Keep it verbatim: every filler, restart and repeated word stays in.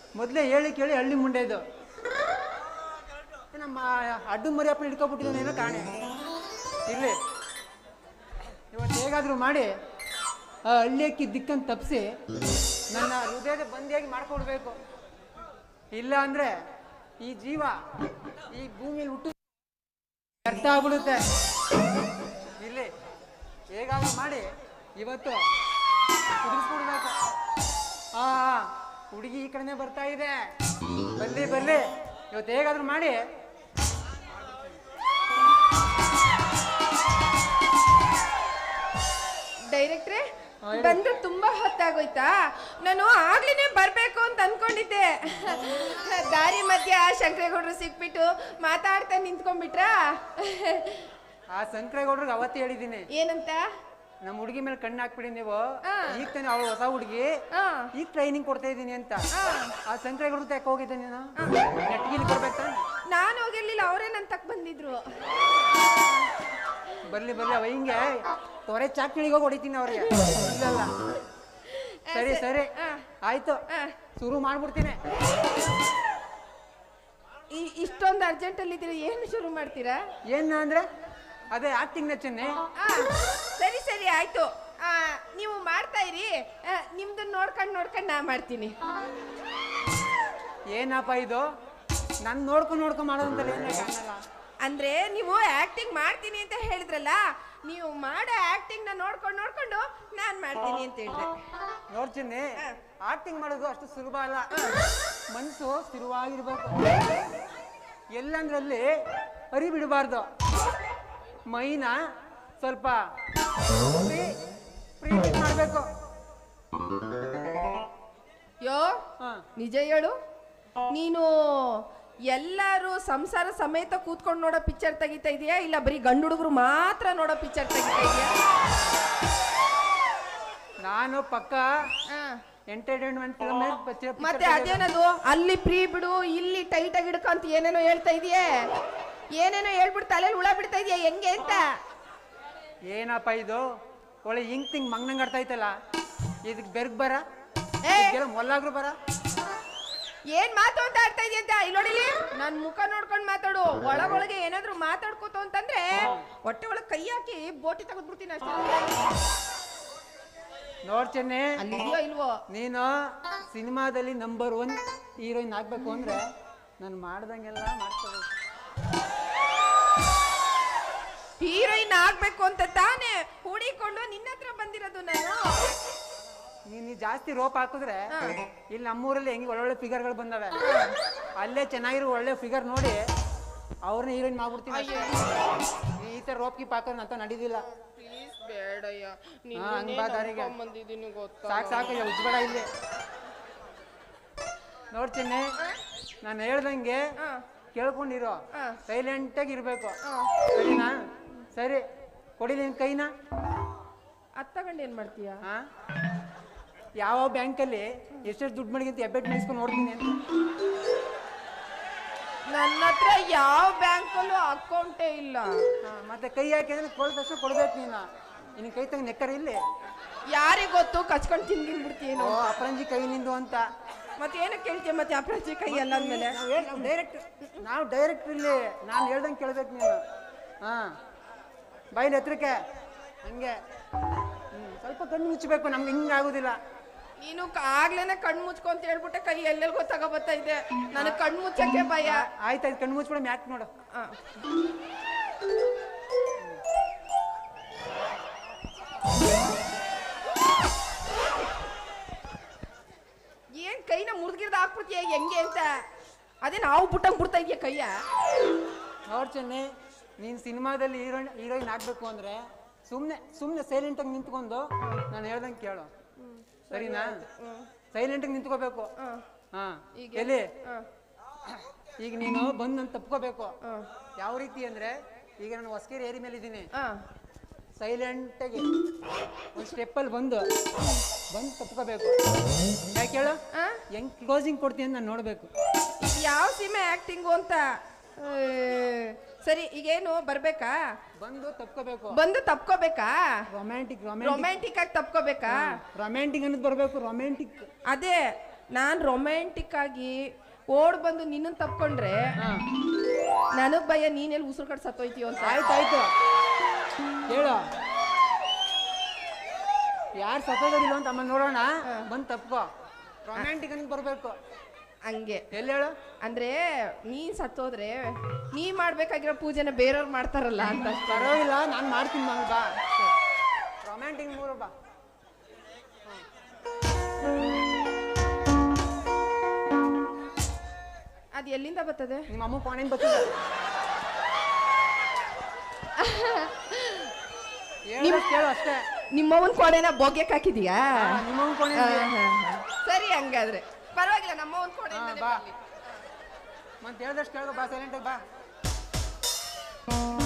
ಮೊದಲೇ ಹೇಳಿ ಕೇಳಿ ಹಳ್ಳಿ ಮುಂಡೆ ಇದು ನಮ್ಮ ಅಡ್ಡು ಮರಿಯಪ್ಪ ಹಿಡ್ಕೊಬಿಟ್ಟಿದ್ದಾನೇನೋ ಕಾಣೆ. ಇರಲಿ, ಇವತ್ತು ಹೇಗಾದರೂ ಮಾಡಿ ಆ ಹಳ್ಳಿಯಕ್ಕಿ ದಿಕ್ಕನ್ನು ತಪ್ಪಿಸಿ ನನ್ನ ಹೃದಯದ ಬಂದಿಯಾಗಿ ಮಾಡ್ಕೊಡ್ಬೇಕು. ಇಲ್ಲ ಅಂದರೆ ಈ ಜೀವ ಈ ಭೂಮಿಯಲ್ಲಿ ಹುಟ್ಟು ವ್ಯರ್ಥ ಆಗ್ಬಿಡುತ್ತೆ. ಇಲ್ಲಿ ಹೇಗಾದರೂ ಮಾಡಿ ಇವತ್ತು ಕುದಿಸ್ಬಿಡ್ಬೇಕು. ಆ ಹುಡುಗಿ ಈ ಕಡೆನೇ ಬರ್ತಾ ಇದೆ, ಬರ್ಲಿ ಬರ್ಲಿ, ಇವತ್ತು ಹೇಗಾದರೂ ಮಾಡಿ. ಡೈರೆಕ್ಟ್ರೆ, ಬಂದ್ರೆ ತುಂಬಾ ಹೊತ್ತಾಗೋಯ್ತಾ? ನಾನು ಆಗ್ಲೇನೆ ಬರ್ಬೇಕು ಅಂತ ಅನ್ಕೊಂಡಿದ್ದೆ. ದಾರಿ ಮಧ್ಯ ಶಂಕರೇಗೌಡರು ಸಿಕ್ಬಿಟ್ಟು ಮಾತಾಡ್ತಾ ನಿಂತ್ಕೊಂಡ್ಬಿಟ್ರಾ? ಆ ಶಂಕರೇಗೌಡ್ರಿಗೆ ಅವತ್ತೇ ಹೇಳಿದ್ದೀನಿ. ಏನಂತ? ನಮ್ಮ ಹುಡುಗಿ ಮೇಲೆ ಕಣ್ಣು ಹಾಕ್ಬಿಡಿ ನೀವು, ಈಗ ತಾನೆ ಅವಳು ಹೊಸ ಹುಡುಗಿ, ಈಗ ಟ್ರೈನಿಂಗ್ ಕೊಡ್ತಾ ಇದ್ದೀನಿ ಅಂತ. ಆ ಶಂಕರೇಗೌಡ್ರ ಯಾಕೆ ಹೋಗಿದ್ದೆ ನೀನು? ನೆಟ್ಗಿಲಿ ಬರ್ಬೇಕಾ? ನಾನು ಹೋಗಿರ್ಲಿಲ್ಲ, ಅವರೇ ನನ್ ತಕ್ ಬಂದಿದ್ರು. ಬರ್ಲಿ ಬರ್ಲಿ, ಅವ ಹಿಂಗೆ ತೊರೆ ಚಾಕ್ಣಿಗೆ ಹೋಗಿ ಹೊಡಿತೀನಿ ಅವ್ರಿಗೆ. ಇಲ್ಲಲ್ಲ, ಸರಿ ಸರಿ ಆಯ್ತು, ಶುರು ಮಾಡ್ಬಿಡ್ತೀನಿ. ಇಷ್ಟೊಂದು ಅರ್ಜೆಂಟ್ ಅಲ್ಲಿ ಇದ್ದೀರಾ, ಏನು ಶುರು ಮಾಡ್ತೀರಾ? ಏನ ಅಂದ್ರೆ ಅದೇ ಆಕ್ಟಿಂಗ್ ಚೆನ್ನೆ. ಸರಿ ಸರಿ ಆಯ್ತು, ನೀವು ಮಾಡ್ತಾ ಇರಿ, ನಿಮ್ದು ನೋಡ್ಕೊಂಡು ನೋಡ್ಕೊಂಡು ನಾ ಮಾಡ್ತೀನಿ. ಏನಪ್ಪ ಇದು, ನನ್ ನೋಡ್ಕೊಂಡು ನೋಡ್ಕೊಂಡು ಮಾಡೋದಂತಲ್ಲ ಏನೇ ಕಾಣಲ್ಲ. ಅಂದ್ರೆ ನೀವು ಆಕ್ಟಿಂಗ್ ಮಾಡ್ತೀನಿ ಅಂತ ಹೇಳಿದ್ರಲ್ಲ, ನೀವು ಮಾಡೋ ಆಕ್ಟಿಂಗ್ ನ ನೋಡ್ಕೊಂಡು ನೋಡ್ಕೊಂಡು ನಾನ್ ಮಾಡ್ತೀನಿ ಅಂತ ಹೇಳಿದ್ರೆ. ನೋಡ್ತೀನಿ, ಆಕ್ಟಿಂಗ್ ಮಾಡೋದು ಅಷ್ಟು ಸುಲಭ ಅಲ್ಲ. ಮನಸ್ಸು ಸ್ಥಿರವಾಗಿರ್ಬೇಕು, ಎಲ್ಲಂದ್ರಲ್ಲಿ ಹರಿ ಬಿಡಬಾರ್ದು. ಮೈನ ಸ್ವಲ್ಪ ಪ್ರೀತಿ ಮಾಡ್ಬೇಕು. ಯೋ ನಿಜ ಹೇಳು, ನೀನು ಎಲ್ಲರೂ ಸಂಸಾರ ಸಮೇತ ಕೂತ್ಕೊಂಡು ನೋಡೋ ಪಿಕ್ಚರ್ ತೆಗಿತಾ ಇದೆಯಾ, ಇಲ್ಲ ಬರೀ ಗಂಡು ಹುಡುಗರು ಮಾತ್ರ ನೋಡೋ ಪಿಕ್ಚರ್ ತೆಗಿತಾ ಇದೆಯಾ? ನಾನು ಪಕ್ಕ ಎಂಟರ್ಟೈನ್ಮೆಂಟ್ ಫಿಲ್ಮ್. ಮತ್ತೆ ಅದೇನದು ಅಲ್ಲಿ ಪ್ರೀ ಬಿಡು, ಇಲ್ಲಿ ಟೈಟ್ ಆಗಿ ಹಿಡ್ಕಂತ ಏನೇನೋ ಹೇಳ್ತಾ ಇದೆಯೇ, ಏನೇನೋ ಹೇಳ್ಬಿಟ್ಟು ತಲೆಯಲ್ಲಿ ಹುಳ ಬಿಡ್ತಾ ಇದೆಯಾ ಹೆಂಗೆ ಅಂತ? ಏನಪ್ಪ ಇದು, ಒಳ್ಳೆ ಹಿಂಗ್ ತಿಂಗ್ ಮಂಗ್ನಂಗ್ ಆಡ್ತಾ ಐತಲ್ಲ, ಇದಕ್ ಬೆರ್ಗ್ ಬರ ಮೊಲ್ಲಾಗ್ರು ಬರ. ಏನ್ ಮಾತು ಅಂತ ಆಡ್ತಾ ಇದೆಯಾ ಅಂತ ಇಲ್ಲಿ ನೋಡಿಲಿ, ನನ್ ಮುಖ ನೋಡ್ಕೊಂಡು ಮಾತಾಡು. ಒಳಗೊಳಗೆ ಏನಾದ್ರು ಮಾತಾಡ್ಕೋತ ಅಂತಂದ್ರೆ ಹೊಟ್ಟೆ ಒಳಗೆ ಕೈ ಹಾಕಿ ಬೋಟಿ ತೆಗೆದ್ಬಿಡ್ತೀನಿ ಅಷ್ಟೇ. ನೋಡ್ತೇನೆ, ಅಲ್ಲಿದೆಯೋ ಇಲ್ವೋ? ನೀನು ಸಿನಿಮಾದಲ್ಲಿ ನಂಬರ್ ಒನ್ ಹೀರೋಯಿನ್ ಆಗ್ಬೇಕು ಅಂದ್ರೆ ನಾನು ಮಾಡ್ದಂಗೆಲ್ಲ ಮಾಡ್ಕೋಬೇಕು. ಹೀರೋಯಿನ್ ಆಗ್ಬೇಕು ಅಂತ ತಾನೇ ಹೂಡಿಕೊಂಡು ನಿನ್ನ ಹತ್ರ ಬಂದಿರೋದು ನಾನು. ನೀನು ಜಾಸ್ತಿ ರೋಪ್ ಹಾಕಿದ್ರೆ ಇಲ್ಲಿ ನಮ್ಮೂರಲ್ಲಿ ಹೆಂಗೆ ಒಳ್ಳೊಳ್ಳೆ ಫಿಗರ್ಗಳು ಬಂದವೆ, ಅಲ್ಲೇ ಚೆನ್ನಾಗಿರೋ ಒಳ್ಳೆ ಫಿಗರ್ ನೋಡಿ ಅವ್ರನ್ನ ಹೀರೋಯಿನ್ ಮಾಡ್ಬಿಡ್ತೀನಿ. ಈ ತರ ರೋಪ್ ಕೀಪ್ ಹಾಕೋದು ಅಂತ ನಡೀದಿಲ್ಲ. ಸಾಕು ಸಾಕು ಉಜ್ಬೇಡ ಇಲ್ಲಿ. ನೋಡ್ತೀನಿ, ನಾನು ಹೇಳ್ದಂಗೆ ಕೇಳ್ಕೊಂಡಿರೋ, ಸೈಲೆಂಟ್ ಆಗಿ ಇರ್ಬೇಕು, ಸರಿನಾ? ಸರಿ, ಕೊಡಿ ನಿನ್ ಕೈನ. ಅದ್ ತಗೊಂಡು ಏನ್ ಮಾಡ್ತೀಯ? ಯಾವ ಬ್ಯಾಂಕಲ್ಲಿ ಎಷ್ಟೆಷ್ಟು ದುಡ್ಡು ಮಾಡಿಗಿಂತ ಎಬ್ಬೆಟ್ ಮಾಡಿಸ್ಕೊಂಡು ನೋಡ್ತೀನಿ ಅಂತ. ನನ್ನ ಹತ್ರ ಯಾವ ಬ್ಯಾಂಕಲ್ಲೂ ಅಕೌಂಟೇ ಇಲ್ಲ. ಮತ್ತೆ ಕೈ ಹಾಕಿ ಅಂದ್ರೆ ಕೊಡ ತಕ್ಷಣ ಕೊಡ್ಬೇಕು ನೀನು. ನಿನ್ನ ಕೈ ತಗ ನೆಕ್ಕರ ಇಲ್ಲಿ. ಯಾರಿಗೆ ಗೊತ್ತು, ಕಚ್ಕೊಂಡು ತಿಂದಿನ್ಬಿಡ್ತೀನೋ ಅಪರಂಜಿ ಕೈ ನಿಂದು ಅಂತ. ಮತ್ತೆ ಏನಕ್ಕೆ ಕೇಳ್ತೀಯ? ಮತ್ತೆ ಅಪರಂಜಿ ಕೈ ಎಲ್ಲ ಅಂದ್ಮೇಲೆ ಡೈರೆಕ್ಟ್ ನಾವು ಡೈರೆಕ್ಟ್ ಇಲ್ಲಿ ನಾನು ಹೇಳ್ದಂಗೆ ಕೇಳ್ಬೇಕು ನೀನು. ಹಾ, ಬೈಲ್ ಎತ್ತರಕ್ಕೆ ಹಂಗೆ. ಹ್ಮ್, ಸ್ವಲ್ಪ ಕಣ್ಣು ಮುಚ್ಚಬೇಕು, ನಮ್ಗೆ ಹಿಂಗೆ ಆಗೋದಿಲ್ಲ. ನೀನು ಆಗ್ಲೇನೆ ಕಣ್ಣು ಮುಚ್ಕೊಂತ ಹೇಳ್ಬಿಟ್ಟೆ, ಕೈ ಎಲ್ಲೆಲ್ಗೋ ತಗೋಬತ್ತಾ ಇದೆ. ನನಗೆ ಕಣ್ಣು ಮುಚ್ಚಕ್ಕೆ ಭಯ. ಆಯ್ತಾಯ್ತು, ಕಣ್ಣು ಮುಚ್ಬಿಡ, ಮ್ಯಾಕ್ ನೋಡು. ಏನ್ ಕೈನ ಮುರಿದ್ಗಿರ್ದ ಹಾಕ್ಬಿಡ್ತೀಯ ಹೆಂಗೆ ಅಂತ? ಅದೇ ನಾವು ಬಿಟ್ಟಂಗ್ ಬಿಡ್ತಾ ಇದೀಯ ಕೈಯ. ನೋಡ್ಚೆನ್ನಿ, ನೀನ್ ಸಿನಿಮಾದಲ್ಲಿ ಹೀರೋಯಿನ್ ಹೀರೋಯಿನ್ ಆಗ್ಬೇಕು ಅಂದ್ರೆ ಸುಮ್ನೆ ಸುಮ್ನೆ ಸೈಲೆಂಟ್ ಆಗಿ ನಿಂತ್ಕೊಂಡು ನಾನು ಹೇಳ್ದಂಗೆ ಕೇಳು, ಸರಿನಾ? ಸೈಲೆಂಟ್ ಆಗಿ ನಿಂತ್ಕೋಬೇಕು. ಹಾ, ಎಲ್ಲಿ ಈಗ ನೀನು ಬಂದು ನಾನು ತಪ್ಕೋಬೇಕು. ಯಾವ ರೀತಿ ಅಂದ್ರೆ, ಈಗ ನಾನು ಹೊಸಕೇರಿ ಏರಿ ಮೇಲೆ ಇದ್ದೀನಿ, ಸೈಲೆಂಟ್ ಆಗಿ ಒಂದು ಸ್ಟೆಪ್ಪಲ್ಲಿ ಬಂದು ಬಂದು ತಪ್ಕೋಬೇಕು. ಯಾಕೆ ಹೇಳು, ಹೆಂಗ್ ಕ್ಲೋಸಿಂಗ್ ಕೊಡ್ತೀನಿ ಅಂತ ನಾನು ನೋಡ್ಬೇಕು. ಯಾವ ಸಿನಿಮಾ ಆಕ್ಟಿಂಗು ಅಂತ. ಸರಿ, ಈಗೇನು ಬರ್ಬೇಕಾ? ಬಂದು ತಪ್ಕೋಬೇಕು. ಬಂದು ತಪ್ಕೋಬೇಕಾ? ರೊಮ್ಯಾಂಟಿಕ್ ರೊಮ್ಯಾಂಟಿಕ್ ಆಗಿ ತಪ್ಕೋಬೇಕಾ? ರೊಮ್ಯಾಂಟಿಕ್ ಅನ್ನೋದು ಬರ್ಬೇಕು. ರೊಮ್ಯಾಂಟಿಕ್ ಅದೇ ನಾನ್ ರೊಮ್ಯಾಂಟಿಕ್ ಆಗಿ ಓಡ್ ಬಂದು ನಿನ್ನನ್ ತಪ್ಕೊಂಡ್ರೆ ಹಾ ನನಗ್ ಭಯ ನೀನೆಲ್ಲಿ ಉಸಿರು ಕಟ್ ಸತ್ತೋಯ್ತೀಯೋ ಅಂತ. ಆಯ್ತಾಯ್ತು ಹೇಳು ಯಾರು ಸತ್ತೋದಿಲ್ಲ ಅಂತ ಅಮ್ಮ ನೋಡೋಣ. ಬಂದು ತಪ್ಕೋ. ರೊಮ್ಯಾಂಟಿಕ್ ಅಂತ ಬರ್ಬೇಕು ಹಂಗೆ. ಎಲ್ಲಿ ಹೇಳು? ಅಂದ್ರೆ ನೀನ್ ಸತ್ತೋದ್ರೆ ನೀ ಮಾಡ್ಬೇಕಾಗಿರೋ ಪೂಜೆನ ಬೇರೆಯವ್ರು ಮಾಡ್ತಾರಲ್ಲ ಅಂತ. ಪರವಾಗಿಲ್ಲ, ನಾನು ಮಾಡ್ತೀನಿ ಮಗ. ಬಾ ರೊಮ್ಯಾಂಟಿಕ್ ಮೂರು ಬಾ. ಅದು ಎಲ್ಲಿಂದ ಬರ್ತದೆ? ನಿಮ್ಮ ಅಮ್ಮ ಫೋನಿಂದ ಬರ್ತದೆ. ಕೇಳು ಅಷ್ಟೇ. ನಿಮ್ಮವನ್ ಕೋಣೆನ ಬೋಗ್ಯಕ್ ಹಾಕಿದೀಯಾ? ನಿಮ್ಮವ್ವನ್ ಕೋಣೆ. ಸರಿ ಹಂಗಾದ್ರೆ ಪರವಾಗಿಲ್ಲ, ನಮ್ಮವನ್ ಕೋಣೆ ಬಾ ಮತ್ತೆ ಹೇಳ್ದಷ್ಟು ಕೇಳು. ಬಾ ಸೈಲೆಂಟಾಗಿ ಬಾ.